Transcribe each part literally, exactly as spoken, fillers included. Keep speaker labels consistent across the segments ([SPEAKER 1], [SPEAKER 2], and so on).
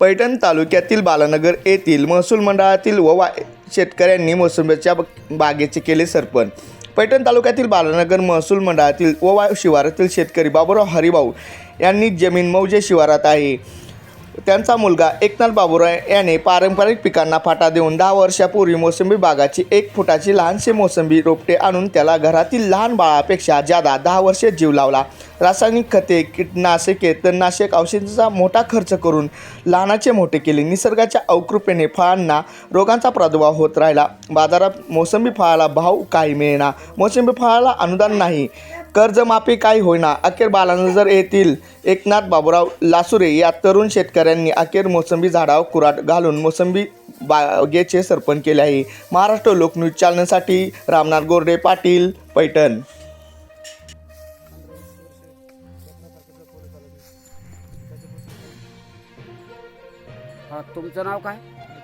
[SPEAKER 1] पैठण तालुक्यातील बालानगर येथील महसूल मंडळातील ओवा शेतकऱ्यांनी मोसंबीच्या बागेचे केले सरपण। पैठण तालुक्यातील बालानगर महसूल मंडळातील ओवा शिवारातील शेतकरी बाबूराव हरिभाऊ यांनी जमीन मौजे शिवारात आहे। त्यांचा मुलगा एकनाथ बाबूराव याने पारंपरिक पिकांना फाटा देऊन दहा वर्षापूर्वी मोसंबी बागाची एक फुटाची लहानशी मोसंबी रोपटे आणून त्याला घरातील लहान बाळापेक्षा जादा दहा वर्षे जीव लावला। रासायनिक खते, कीटनाशके, तणनाशक औषधांचा मोठा खर्च करून लहानाचे मोठे केले। निसर्गाच्या अवकृपेने फळांना रोगांचा प्रादुर्भाव होत राहिला। बाजारात मोसंबी फळाला भाव काही मिळेना, मोसंबी फळाला अनुदान नाही, कर्जमाफी काही होईना। अखेर बालानगर येथील एकनाथ बाबूराव लासुरे या तरुण शेतकऱ्यांनी अखेर मोसंबी झाडावर कुऱ्हाड घालून मोसंबी बागेचे सरपण केले आहे। महाराष्ट्र लोकन्यूज चॅनलसाठी रामनाथ गोरडे पाटील, पैठण।
[SPEAKER 2] हा, तुमचं नाव काय?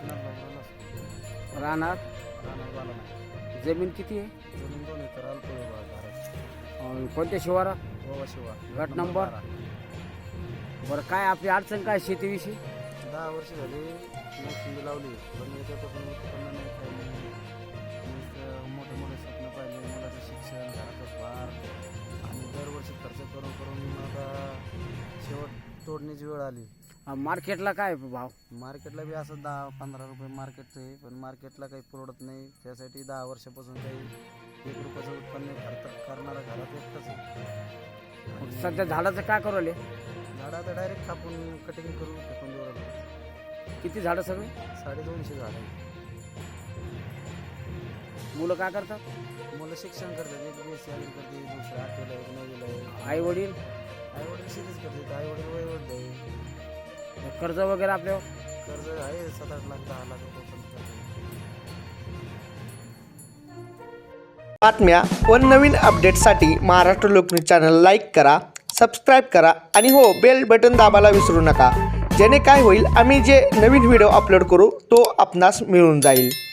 [SPEAKER 2] राहणार जमीन किती आहे?
[SPEAKER 3] जमीन दोन एकर अल्प
[SPEAKER 2] अं, कोणत्या शिवारात?
[SPEAKER 3] गोवा शिवा
[SPEAKER 2] गट नंबर? बरं, काय आपली अडचण काय शेतीविषयी?
[SPEAKER 3] दहा वर्ष झाली मोसंबी लावली, पण याच्यापासून उत्पन्न नाही, काही नाही। नुसतं मोठे मोठे स्वप्न पाहिले, मुलाचं शिक्षण, घराचा भार आणि दरवर्षी खर्च करून करून आता शेवट तोडणीची वेळ आली।
[SPEAKER 2] अं, मार्केटला काय भाव?
[SPEAKER 3] मार्केटला बी असं दहा पंधरा रुपये मार्केट आहे, पण मार्केटला काही परवडत नाही। त्यासाठी दहा वर्षापासून काही एक रुपयाचं उत्पन्न करता करणारा घरात एकटाच आहे।
[SPEAKER 2] मग सध्या झाडाचं काय करू राहिले?
[SPEAKER 3] झाडं आता डायरेक्ट कापून कटिंग करून फेकून देऊ राहिलो।
[SPEAKER 2] किती झाडं सगळे?
[SPEAKER 3] साडेदोनशे झाडं आहे।
[SPEAKER 2] मुलं काय करतात?
[SPEAKER 3] मुलं शिक्षण करतात, एक बी एस सी करते, दुसरं आठवीला, एक नववीला आहे।
[SPEAKER 2] आई वडील?
[SPEAKER 3] आई वडील शेतीच करतात, आई वडील वयवड आहे।
[SPEAKER 2] कर्ज वगैरे आपल्यावर?
[SPEAKER 3] कर्ज आहे सात आठ लाख दहा लाख रुपये पण कर्ज आहे।
[SPEAKER 1] बातम्या व नवीन अपडेट्ससाठी महाराष्ट्र लोकन्यूज चॅनल लाईक करा, सबस्क्राईब करा आणि हो बेल बटन दाबायला विसरू नका, जेणे काय होईल आम्ही जे नवीन व्हिडिओ अपलोड करू तो आपणास मिळून जाईल।